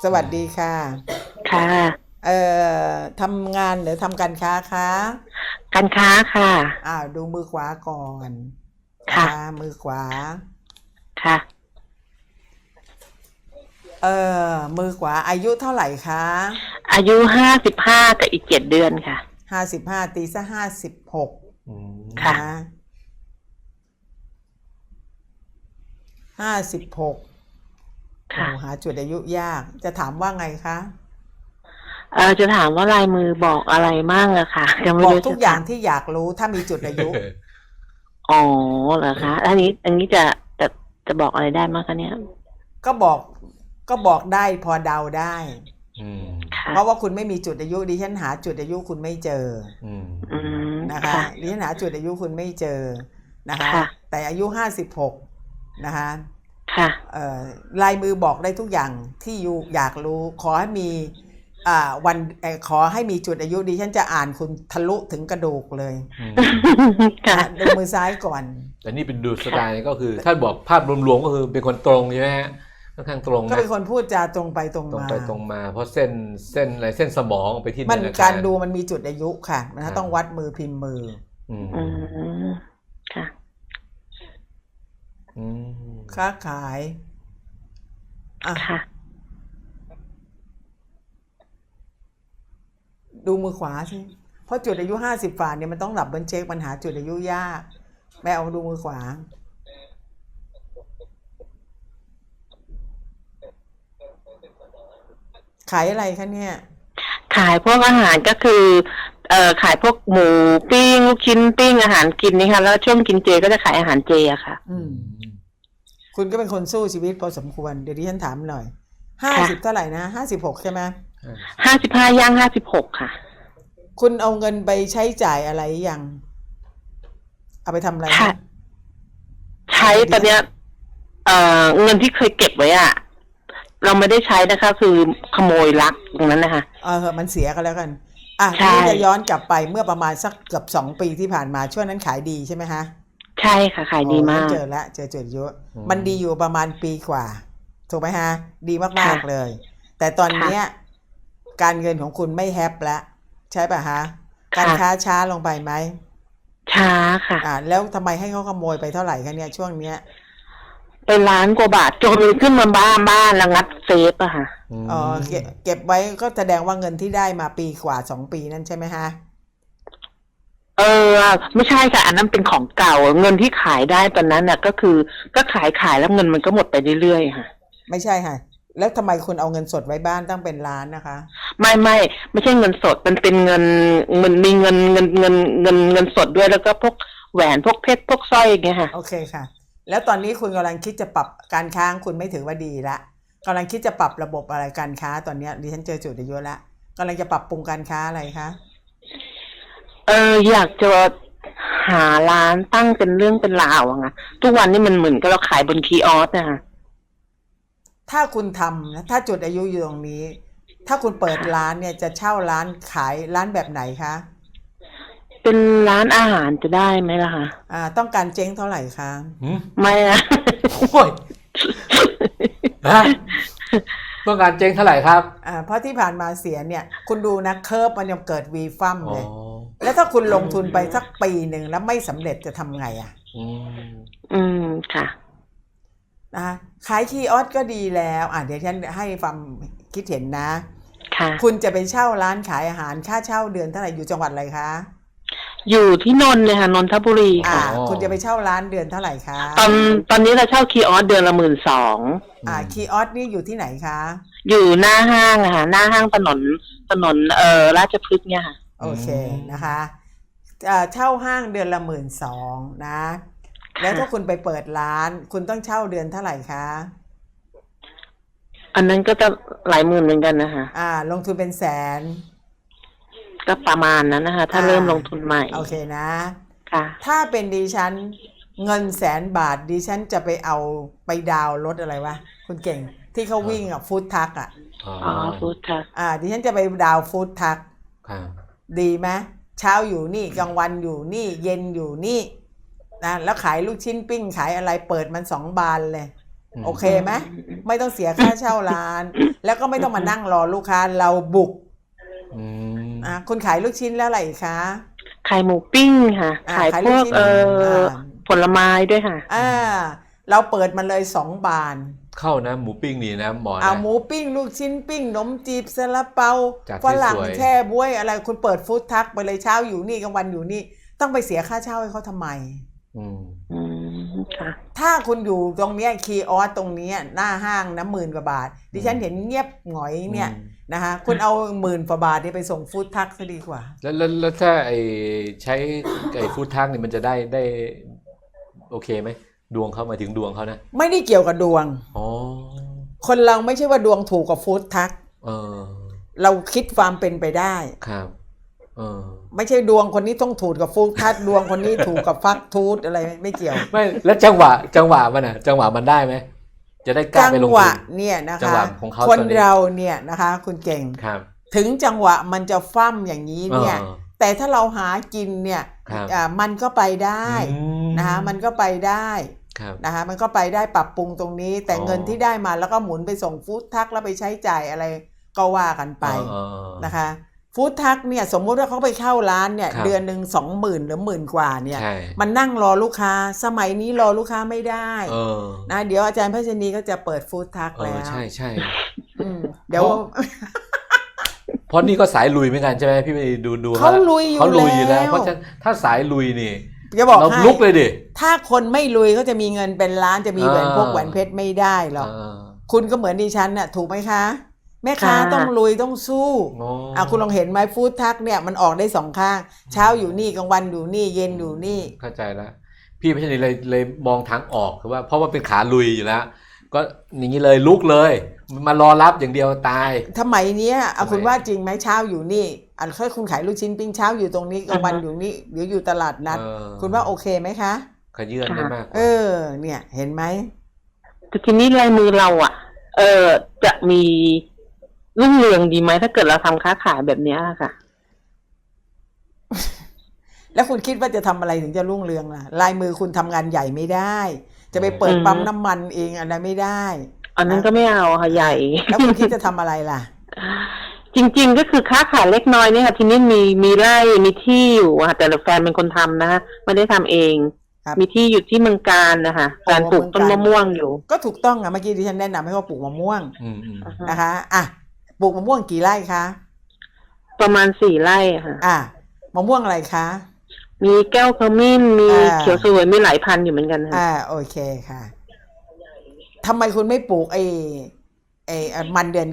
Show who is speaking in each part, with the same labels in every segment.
Speaker 1: สวัสดีค่ะ
Speaker 2: ค่ะ
Speaker 1: เอ่ทำงานหรือทำการค้าคะ
Speaker 2: การค้าค่ะ
Speaker 1: ดูมือขวาก่อนนะ
Speaker 2: ค่ะ
Speaker 1: คะมือขวา
Speaker 2: ค่ะ
Speaker 1: มือขวาอายุเท่าไหร่คะ
Speaker 2: อายุ55กับอีก7 เดือนค่ะ
Speaker 1: 55ตีซะ56
Speaker 2: ค่ะ
Speaker 1: นะ56โอ้
Speaker 2: ค่ะ
Speaker 1: หาจุดอายุยากจะถามว่าไงคะ
Speaker 2: จะถามว่าลายมือบอกอะไรมั่งอะค่ะยังไม่
Speaker 1: บอก
Speaker 2: รู้จะ
Speaker 1: ทุกอย่าง
Speaker 2: ถาม
Speaker 1: ที่อยากรู้ถ้ามีจุดอายุ
Speaker 2: อ๋อเหรอคะอันนี้จะจะบอกอะไรได้มั้งคะเนี่ย
Speaker 1: ก็บอกก็บอกได้พอเดาได้
Speaker 2: ค่ะ
Speaker 1: เพราะว่าคุณไม่มีจุดอายุดิฉันหาจุดอายุคุณไม่เจอ
Speaker 2: อืม
Speaker 1: นะคะ
Speaker 2: ค่ะ
Speaker 1: ดิฉันหาจุดอายุคุณไม่เจอนะคะ
Speaker 2: ค่ะ
Speaker 1: แต่อายุ56นะคะ
Speaker 2: ค่ะ
Speaker 1: ลายมือบอกได้ทุกอย่างที่ยูอยากรู้ขอให้มีวันขอให้มีจุดอายุดิฉันจะอ่านคุณทะลุถึงกระดูกเลย
Speaker 2: ค่ะ
Speaker 1: ดูมือซ้ายก่อน
Speaker 3: แต่นี่เป็นดูสไตล์ก็คือถ้าบอกภาพรวมๆก็คือเป็นคนตรงใช่ไหมฮะค่อนข้างตรง
Speaker 1: ก็
Speaker 3: นะ
Speaker 1: เป็นคนพูดจาตรงไปตรง
Speaker 3: ตรง
Speaker 1: มา
Speaker 3: ไปตรงมาเพราะเส้นอะไรเส้นสมองไปที่
Speaker 1: มัน
Speaker 3: ธนาคา
Speaker 1: การ รดูมันมีจุดอายุค่ะมันต้องวัดมือพิมพ์มือ
Speaker 3: อืม
Speaker 2: ค่ะ
Speaker 1: ค้าขาย
Speaker 2: ค่ะ
Speaker 1: ดูมือขวาสิเพราะจุดอายุ50ฝ่าเนี่ยมันต้องหลับเบิลเช็คปัญหาจุดอายุยากแม่เอาดูมือขวาขายอะไรคะเนี่ย
Speaker 2: ขายพวกอาหารก็คือขายพวกหมูปิ้งลูกชิ้นปิ้งอาหารกินนี่ค่ะแล้วช่วงกินเจก็จะขายอาหารเจอะค่ะ
Speaker 1: คุณก็เป็นคนสู้ชีวิตพอสมควรเดี๋ยวดิฉันถามหน่อย50เท่าไหร่นะ56ใช่ไหม
Speaker 2: 55ย่าง56ค่ะ
Speaker 1: คุณเอาเงินไปใช้จ่ายอะไรยังเอาไปทำอะไร
Speaker 2: ใช้ตอนเนี้ยเงินที่เคยเก็บไว้อะเราไม่ได้ใช้นะคะคือขโมยลักตรงนั้นนะคะ
Speaker 1: มันเสียกันแล้วกันที่จะย้อนกลับไปเมื่อประมาณสักเกือบ2 ปีที่ผ่านมาช่วงนั้นขายดีใช่ไหมฮะ
Speaker 2: ใช่ค่ะขายดีมาก
Speaker 1: เจอแล้วเจอจุดเยอะมันดีอยู่ประมาณปีกว่าถูกไหมฮะดีมากๆเลยแต่ตอนนี้การเงินของคุณไม่แฮปแล้วใช่ป่ะฮะการค้าช้าลงไปไหม
Speaker 2: ช้าค่ะ
Speaker 1: แล้วทำไมให้เขาขโมยไปเท่าไหร่คะเนี่ยช่วงเนี้ย
Speaker 2: ไป1,000,000 กว่าบาทจนขึ้นมาบ้านแล้วงัดเซฟอะค่ะ
Speaker 1: เก็บไว้ก็แสดงว่าเงินที่ได้มาปีกว่า2 ปีนั่นใช่ไหมฮะ
Speaker 2: ไม่ใช่ค่ะอันนั้นเป็นของเก่าเงินที่ขายได้ตอนนั้นน่ะก็คือก็ขายแล้วเงินมันก็หมดไปเรื่อยๆค่ะ
Speaker 1: ไม่ใช่ค่ะแล้วทำไมคุณเอาเงินสดไว้บ้านตั้งเป็นล้านนะคะ
Speaker 2: ไม่ใช่เงินสดมันเป็นเงินมีเงินสดด้วยแล้วก็พวกแหวนพวกเพชรพวกสร้อยอย่างเงี้ยค่ะ
Speaker 1: โอเคค่ะแล้วตอนนี้คุณกำลังคิดจะปรับการค้าคุณไม่ถือว่าดีละกำลังคิดจะปรับระบบอะไรการค้าตอนนี้ดิฉันเจอจุดเยอะแล้วกำลังจะปรับปรุงการค้าอะไรคะ
Speaker 2: อยากจะหาร้านตั้งเป็นเรื่องเป็นราวอะค่ะทุกวันนี้มันเหมือนกับเราขายบนคีย์ออสนะคะ
Speaker 1: ถ้าคุณทำนะถ้าจุดอายุอยู่ตรงนี้ถ้าคุณเปิดร้านเนี่ยจะเช่าร้านขายร้านแบบไหนคะ
Speaker 2: เป็นร้านอาหารจะได้ไหมล่ะคะ
Speaker 1: ต้องการเจ๊งเท่าไหร่คะ
Speaker 2: ไม่นะ
Speaker 3: โอ้ยต้องการเจ๊งเท่าไหร่ครับ
Speaker 1: เพราะที่ผ่านมาเสียเนี่ยคุณดูนะเคอร์ฟมันยังเกิดวีฟัมเลยแล้วถ้าคุณลงทุนไปสักปีหนึ่งแล้วไม่สำเร็จจะทำไง
Speaker 2: ค่ะ
Speaker 1: ขายคีย์ออสก็ดีแล้วเดี๋ยวฉันให้ความคิดเห็นนะ
Speaker 2: ค่ะ
Speaker 1: คุณจะไปเช่าร้านขายอาหารค่าเช่าเดือนเท่าไหร่อยู่จังหวัดอะไรคะ
Speaker 2: อยู่ที่นนท์เลยค่ะนนทบุรีค่ะ
Speaker 1: คุณจะไปเช่าร้านเดือนเท่าไหร่คะ
Speaker 2: ตอนนี้เราเช่าคีย์ออสเดือนละ12,000
Speaker 1: คีย์ออสนี่อยู่ที่ไหนคะ
Speaker 2: อยู่หน้าห้างค่ะหน้าห้างถนนราชพฤกษ์เนี่ยค่ะ
Speaker 1: โอเคนะคะเช่าห้างเดือนละ12,000นะแล้วถ้าคุณไปเปิดร้านคุณต้องเช่าเดือนเท่าไหร่คะ
Speaker 2: อันนั้นก็จะหลายหมื่นเหมือนกันนะคะ
Speaker 1: ลงทุนเป็นแสน
Speaker 2: ก็ประมาณนั้นนะคะถ้าเริ่มลงทุนใหม่
Speaker 1: โอเคนะ
Speaker 2: ค่ะ
Speaker 1: ถ้าเป็นดิฉันเงิน100,000 บาทดิฉันจะไปเอาไปดาวรถอะไรวะคุณเก่งที่เขาวิ่งฟู้ดทัก
Speaker 2: ฟู้ดทัก
Speaker 1: ดิฉันจะไปดาวฟู้ดทักดีไหมเช้าอยู่นี่กลางวันอยู่นี่เย็นอยู่นี่นะแล้วขายลูกชิ้นปิ้งขายอะไรเปิดมัน2 บานเลยโอเคไหมไม่ต้องเสียค่าเช่าร้าน แล้วก็ไม่ต้องมานั่งรอลูกค้าเราบุก
Speaker 3: อืม
Speaker 1: คุณขายลูกชิ้นแล้วอะไรอีกคะ
Speaker 2: ขายหมูปิ้งค่ะ ขาย
Speaker 1: ขาย
Speaker 2: พ
Speaker 1: ลูก
Speaker 2: วก
Speaker 1: ชิ้น
Speaker 2: ผลไม้ด้วยค่ะ
Speaker 1: เราเปิดมาเลย2 บาน
Speaker 3: เข้านะหมูปิ้งนี่นะหมอนะ
Speaker 1: เอาหมูปิ้งลูกชิ้นปิ้งขนมจีบซาลาเปา
Speaker 3: จัดให้
Speaker 1: ฝรั่ง
Speaker 3: สวย
Speaker 1: แช่บ๊วยอะไรคุณเปิดฟู้ดทักไปเลยเช้าอยู่นี่กลางวันอยู่นี่ต้องไปเสียค่าเช่าให้เขาทำไม
Speaker 3: อืม
Speaker 2: อืมค่ะ
Speaker 1: ถ้าคุณอยู่ตรงเนี้ยคีย์ออสตรงเนี้ยหน้าห้างนะ10,000 กว่าบาท ดิฉันเห็นเงียบหงอยเนี่ยนะคะคุณเอา10,000 กว่าบาทนี่ไปส่งฟู้ดทักซะดีกว่า
Speaker 3: แล้วถ้าใช้ฟู้ดทักนี่มันจะได้โอเคไหมดวงเขาหมายถึงดวงเขานะ
Speaker 1: ไม่ได้เกี่ยวกับดวง
Speaker 3: อ๋อ
Speaker 1: คนเราไม่ใช่ว่าดวงถูกกับฟู้ดทัก
Speaker 3: เออ
Speaker 1: เราคิดความเป็นไปได้
Speaker 3: ครับเออ
Speaker 1: ไม่ใช่ดวงคนนี้ต้องถูกกับฟู้ดทักดวงคนนี้ถูกกับฟักทูดอะไรไม่เกี่ยว
Speaker 3: ไม่แล้วจังหวะมันอ่ะจังหวะมันได้ไหมจะได้กล้า
Speaker 1: จั
Speaker 3: ไปลง
Speaker 1: ห
Speaker 3: ทุ
Speaker 1: วะ
Speaker 3: น
Speaker 1: เนี่ยนะ
Speaker 3: จัง
Speaker 1: คะ
Speaker 3: หวะของเขา
Speaker 1: คน
Speaker 3: ตอนนี้
Speaker 1: เราเนี่ยนะคะ คุณเก่ง
Speaker 3: ครับ
Speaker 1: ถึงจังหวะมันจะฟั่มอย่างนี้เนี่ย
Speaker 3: เออ
Speaker 1: แต่ถ้าเราหากินเนี่ย
Speaker 3: ครับ
Speaker 1: มันก็ไปได้
Speaker 3: อืม
Speaker 1: นะคะมันก็ไปได้
Speaker 3: ครับ
Speaker 1: นะคะมันก็ไปได้ปรับปรุงตรงนี้ แต่
Speaker 3: อ๋อ
Speaker 1: เงินที่ได้มาแล้วก็หมุนไปส่งฟู้ดทักแล้วไปใช้จ่ายอะไรก็ว่ากันไป
Speaker 3: เออ
Speaker 1: นะคะฟู้ดทักเนี่ยสมมุติว่าเขาไปเข้าร้านเนี่ย
Speaker 3: ครับ
Speaker 1: เดือนหนึ่ง20,000 หรือ10,000 กว่าเนี่ย
Speaker 3: ใช่
Speaker 1: มันนั่งรอลูกค้าสมัยนี้รอลูกค้าไม่ได้
Speaker 3: เออ
Speaker 1: นะเดี๋ยวอาจารย์พัชนีก็จะเปิดฟู้ดทัก
Speaker 3: เอ
Speaker 1: แล้
Speaker 3: อ
Speaker 1: ว
Speaker 3: ใช่ใช่
Speaker 1: เดี๋ยว
Speaker 3: เพราะนี่ก็สายลุยเหมือนกันใช่ไหมพี่ไปดู
Speaker 1: เขาลุยอยู่
Speaker 3: เขาลุยอยู่แล้ว
Speaker 1: แล้ว
Speaker 3: เพราะฉะนั้นถ้าสายลุยนี่
Speaker 1: จะบอก
Speaker 3: เรา
Speaker 1: ให้
Speaker 3: ลุกเลยดิ
Speaker 1: ถ้าคนไม่ลุยเขาจะมีเงินเป็นล้านจะมีแหวน
Speaker 3: อ่า
Speaker 1: พวกแหวนเพชรไม่ได้หรอก
Speaker 3: เออ
Speaker 1: คุณก็เหมือนดิฉันน่ะถูกไหมคะ แม่ค้า
Speaker 2: ค่ะ
Speaker 1: ต้องลุยต้องสู้
Speaker 3: อ๋อ
Speaker 1: คุณลองเห็นไหมฟู้ดทักเนี่ยมันออกได้2 ข้าง เช้าอยู่นี่กลางวันอยู่นี่เย็นอยู่นี่
Speaker 3: เข้าใจแล้วพี่พัชนีเลยมองทางออกคือว่าเพราะว่าเป็นขาลุยอยู่แล้ว ก็อย่างนี้เลยลุกเลยมารอรับอย่างเดียวตาย
Speaker 1: สมัยเนี้ยเอา
Speaker 3: สมัย
Speaker 1: คุณว่าจริงไหมเช้าอยู่นี่ถ้าคุณขายลูกชิ้นปิ้งเช้าอยู่ตรงนี้กลางวันอยู่นี่เดี๋ยวอยู่ตลาดนัด
Speaker 3: เออ
Speaker 1: คุณว่าโอเคไหมคะ
Speaker 3: ขยื่นได้มากกว่า
Speaker 1: เนี่ยเห็นไหม
Speaker 2: แต่ทีนี้ลายมือเราอ่ะ จะมีรุ่งเรืองดีไหมถ้าเกิดเราทำค้าขายแบบเนี้ยค่ะ
Speaker 1: แล้วคุณคิดว่าจะทำอะไรถึงจะรุ่งเรืองล่ะลายมือคุณทำงานใหญ่ไม่ได้ จะไปเปิด
Speaker 2: อืม
Speaker 1: ปั๊มน้ำมันเองอะไรไม่ได้
Speaker 2: อันนั้นก็ไม่เอาค่ะใหญ่
Speaker 1: แล้วคุณคิดจะทำอะไรล่ะ
Speaker 2: จริงๆก็คือค้าขายเล็กน้อยเนี่ยค่ะทีนี้มีไร่มีที่อยู่ค่ะแต่แฟนเป็นคนทำนะคะไม่ได้ทำเอง
Speaker 1: ครับ
Speaker 2: มีที่อยู่ที่เมืองการนะคะการปลูกต้นมะม่วงอยู่
Speaker 1: ก็ถูกต้องอ่ะเมื่อกี้ที่ฉันแนะนำให้เขาปลูกมะม่วง
Speaker 3: อืม
Speaker 1: นะคะปลูกมะม่วงกี่ไร่คะ
Speaker 2: ประมาณ4 ไร่ค่ะ
Speaker 1: มะม่วงอะไรคะ
Speaker 2: มีแก้วขมิ้นมี
Speaker 1: อ่า
Speaker 2: เขียวสวยมีหลายพันธุ์อยู่เหมือนกันค่ะ
Speaker 1: โอเคค่ะทำไมคุณไม่ปลูกไอ้มันเดือน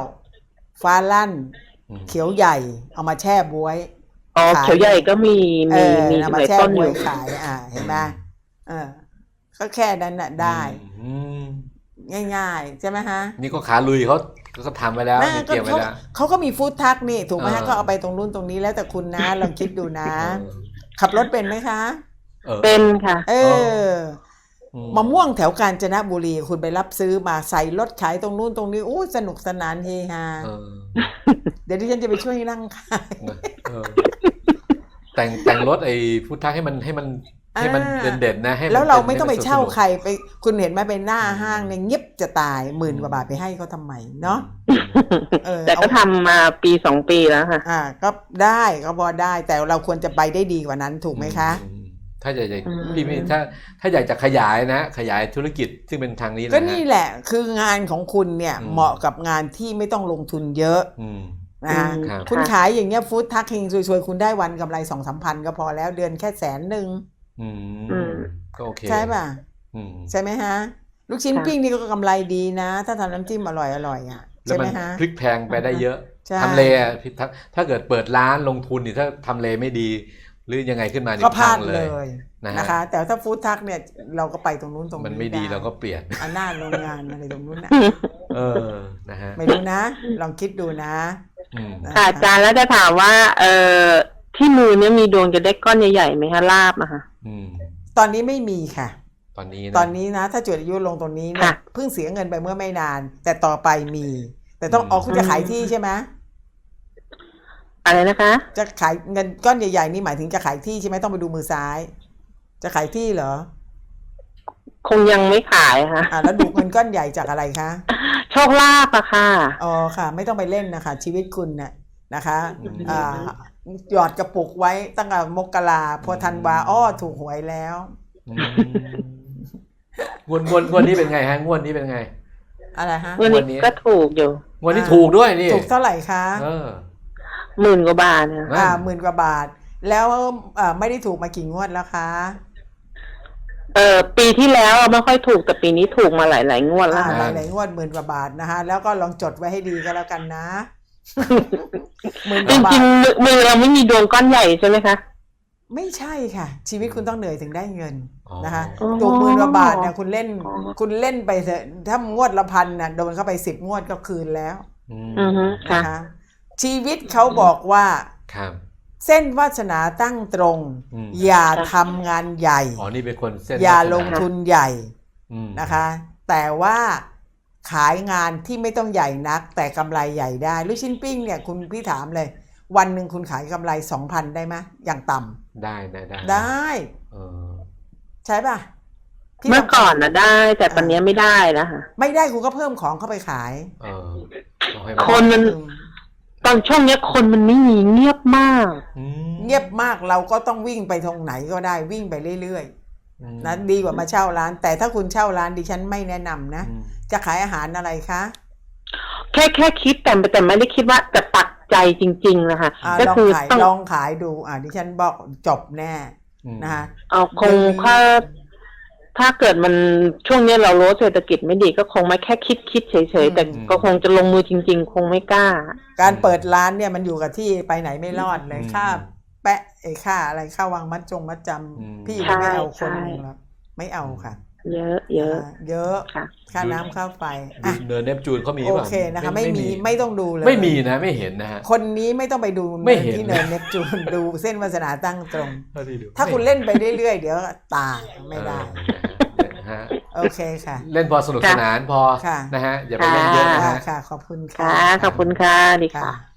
Speaker 1: 9ฟ้าลั่น เขียวใหญ่เอามาแช่บ๊วย
Speaker 2: อ๋อ
Speaker 1: ขาย
Speaker 2: เขียวใหญ่ก็มีมี
Speaker 1: เอา
Speaker 2: ห
Speaker 1: มา
Speaker 2: ลาย
Speaker 1: แช่
Speaker 2: ต้น
Speaker 1: บ๊
Speaker 2: อ
Speaker 1: วย
Speaker 2: ยู่
Speaker 1: ขายเห็นไหมก็แค่นั้นน่ะได้
Speaker 3: อืม
Speaker 1: ง่ายๆใช่ไหมฮะ
Speaker 3: นี่ก็ขาลุยเขาก็ทำไปแล้ว
Speaker 1: น่า
Speaker 3: นี่
Speaker 1: ก็
Speaker 3: เตรียมไว้แล้ว
Speaker 1: เขาก็มีฟู้ดทักนี่ถูกไหมฮะ
Speaker 3: เออ
Speaker 1: ก็เอาไปตรงนู้นตรงนี้แล้วแต่คุณนะ ลองคิดดูนะ ขับรถเป็นไหมคะ
Speaker 2: เป็นค่ะ
Speaker 1: มะม่วงแถวกาญจนบุรีคุณไปรับซื้อมาใส่รถขายตรงนู้นตรงนี้สนุกสนานเฮฮา
Speaker 3: เออ
Speaker 1: เดี๋ยวดิฉันจะไปช่วยนั่งขาย
Speaker 3: เออแต่งรถไอ้พุทธะให้มันเด่นๆนะให้น
Speaker 1: แล้วเราไม่ต้องไป
Speaker 3: นสนุก
Speaker 1: เช่าใครไปคุณเห็นไหมไปหน้าห้างเนี่ยเงียบจะตาย10,000 กว่าบาทไปให้เขาทำไมเนาะ
Speaker 2: แต่ก็ทำมา1-2 ปีแล้วค่ะ
Speaker 1: ก็ได้ก็พอได้แต่เราควรจะไปได้ดีกว่านั้นถูกไหมคะ
Speaker 3: ถ้าอยากจะ
Speaker 2: อืม
Speaker 3: พี่ไม่ถ้าอยากจะขยายนะขยายธุรกิจซึ่งเป็นทางนี้นะ
Speaker 1: ก็
Speaker 3: ฮะ
Speaker 1: นี่แหละคืองานของคุณเนี่ย
Speaker 3: อืม
Speaker 1: เหมาะกับงานที่ไม่ต้องลงทุนเยอะ
Speaker 3: อืม
Speaker 1: นะคะ
Speaker 3: ครับ
Speaker 1: คุณ
Speaker 2: ค่ะ
Speaker 1: ขายอย่างเงี้ยฟู้ดทักเฮงซวยๆคุณได้วันกำไร 2-3 พันก็พอแล้วเดือนแค่100,000
Speaker 3: อืม
Speaker 2: อืม
Speaker 3: ก็โอเค
Speaker 1: ใช่ป่ะ
Speaker 3: อืม
Speaker 1: ใช่ไหมฮะ ลูกชิ้น
Speaker 2: ค่ะ
Speaker 1: ปิ้งนี่ก็กำไรดีนะ ถ้าทำน้ำจิ้มอร่อยอ่ะ
Speaker 3: แล้ว
Speaker 1: ใช่ไห
Speaker 3: มั
Speaker 1: ม
Speaker 3: น
Speaker 1: ฮะ
Speaker 3: พลิกแพลงไปได้เยอะ
Speaker 1: ใช่
Speaker 3: ทำเลอะพี่ถ้าเกิดเปิดร้านลงทุนนี่ถ้าทำเลไม่ดี หรือยังไงขึ้นมานี่
Speaker 1: ก็พลาด
Speaker 3: พัง
Speaker 1: เลย
Speaker 3: นะฮะ
Speaker 1: นะคะ แต่ถ้าฟู้ดทักเนี่ยเราก็ไปตรงนู้นตรงนี้
Speaker 3: มันไม่ดีเราก็เปลี่ยน
Speaker 1: หน้าโรงงานอะไรตรงนู้นนะ
Speaker 3: เออนะฮะ
Speaker 1: ไม่รู้นะ ลองคิดดูนะ
Speaker 3: อืม
Speaker 2: ค่ะอาจารย์แล้วจะถามว่าที่มือเนี่ยมีดวงจะได้ก้อนใหญ่ๆไหมคะลาบอะค่ะ
Speaker 3: อืม
Speaker 1: ตอนนี้ไม่มีค่ะ
Speaker 3: ตอนนี้นะ
Speaker 1: ตอนนี้นะ ถ้าจุดอายุลงตรงนี้เนี่ย
Speaker 2: ค่ะ
Speaker 1: เพิ่งเสียเงินไปเมื่อไม่นาน แต่ต่อไปมี แต่ต้องออกคุณจะขายที่ใช่ไหม
Speaker 2: อะไรนะคะ
Speaker 1: จะขายเงินก้อนใหญ่ๆนี่หมายถึงจะขายที่ใช่ไหมต้องไปดูมือซ้าย จะขายที่เหรอ
Speaker 2: คงยังไม่ขายค่ะ
Speaker 1: แล้วดูเงินก้อนใหญ่จากอะไรคะ
Speaker 2: โชคลาภอะค่ะ
Speaker 1: อ๋อค่ะ ไม่ต้องไปเล่นนะคะ ชีวิตคุณเนี่ยนะคะหยอดกระปุกไว้ตั้งแต่มกราพอธันวาถูกหวยแล้ว
Speaker 3: งวดนี้เป็นไงฮะงวดนี้เป็นไง
Speaker 1: อะไรฮะ
Speaker 2: วันนี้ก็ถูกอยู่
Speaker 3: งวดนี้ถูกด้วยนี่
Speaker 1: ถูกเท่าไหร่คะ
Speaker 2: 10,000 กว่าบาทนะ
Speaker 1: 10,000 กว่าบาท แล้วไม่ได้ถูกมากี่งวดแล้วคะ
Speaker 2: ปีที่แล้วไม่ค่อยถูกแต่ปีนี้ถูกมาหลายงวดแล้วค่ะ
Speaker 1: หลายงวด10,000 กว่าบาทนะคะแล้วก็ลองจดไว้ให้ดีก็แล้วกันนะ10,000 ก
Speaker 2: จ
Speaker 1: ว่าบา
Speaker 2: ริ
Speaker 1: ท
Speaker 2: งๆมือเราไม่มีดวงก้อนใหญ่ใช่ไหมคะ
Speaker 1: ไม่ใช่ค่ะ ชีวิตคุณต้องเหนื่อยถึงได้เงิน นะคะ
Speaker 2: อ๋อ
Speaker 1: ถูก10,000 กว่าบาทเนี่ยคุณเล่นไปเถอะถ้างวดละ1,000น่ะโดนเข้าไป10 งวดก็คืนแล้ว
Speaker 2: อือฮึค่ะ
Speaker 1: นะคะ ชีวิตเขาบอกว่า
Speaker 3: ครับ
Speaker 1: เส้นวาสนาตั้งตรง อย่าทำงานใหญ่
Speaker 3: อ๋อนี่เป็นคนเส้น
Speaker 1: อย่า
Speaker 3: ลักษณะ
Speaker 1: ลงทุนใหญ่
Speaker 3: นะ
Speaker 1: นะคะ แต่ว่าขายงานที่ไม่ต้องใหญ่นัก แต่กำไรใหญ่ได้ลูกชิ้นปิ้งเนี่ยคุณพี่ถามเลย วันหนึ่งคุณขายกำไร 2,000 ได้ไหมอย่างต่ำ
Speaker 3: ได้
Speaker 1: ได้
Speaker 3: เออ
Speaker 1: ใช่ป่ะที่
Speaker 2: เมื่อก่อนนะได้ แต่ตอนนี้ไม่ได้แล้วค่ะ
Speaker 1: ไม่ได้คุณก็เพิ่มของเข้าไปขาย
Speaker 3: เออเอาให้
Speaker 2: คนมัน ตอนช่วงนี้คนมันไม่มีเงียบมาก
Speaker 1: เงียบมากเราก็ต้องวิ่งไปตรงไหนก็ได้วิ่งไปเรื่อยๆนะดีกว่ามาเช่าร้าน แต่ถ้าคุณเช่าร้านดิฉันไม่แนะนำนะจะขายอาหารอะไรคะ
Speaker 2: แค่คิดแต่ไม่ได้คิดว่าจะปักใจจริงๆนะคะก็คือ
Speaker 1: ลองขายดูดิฉันบอกจบแน่นะคะ
Speaker 2: เอาคงถ้าเกิดมันช่วงนี้เรารู้เศรษฐกิจไม่ดีก็คงไม่แค่คิดเฉยๆแต่ก็คงจะลงมือจริงๆคงไม่กล้า
Speaker 1: การเปิดร้านเนี่ยมันอยู่กับที่ไปไหนไม่รอดเลยค่าแปะค่าอะไรค่าวางมัดจำพี่ไม่เอาคนหนึ่งหรอกไม่เอาค่ะ
Speaker 2: เยอะค่ะ
Speaker 1: ค่าน้ำค่าไฟ
Speaker 3: เนินเนปจูนเขามี
Speaker 1: โอ
Speaker 3: ป่ะ
Speaker 1: เคนะคะไม่มีไม่ต้องดูเลย
Speaker 3: ไม่มีนะไม่เห็นนะฮะ
Speaker 1: คนนี้ไม่ต้องไปดู
Speaker 3: ไม่เห็น
Speaker 1: ที่เนินเนปจูนดูเส้นวาสนาตั้งตรง
Speaker 3: เท่ที่ดู
Speaker 1: ถ้าคุณเล่นไปเรื่อยๆเดี๋ยวตายไม่ได้
Speaker 3: ฮะ
Speaker 1: โอเคค่ะ
Speaker 3: เล่นพอสนุกสนานพอ
Speaker 1: ค่ะ
Speaker 3: นะฮะอย่าไปเล่นเยอะนะฮะ
Speaker 1: ค่ะขอบคุณค่ะ
Speaker 2: ค่ะขอบคุณค่ะดีค่ะ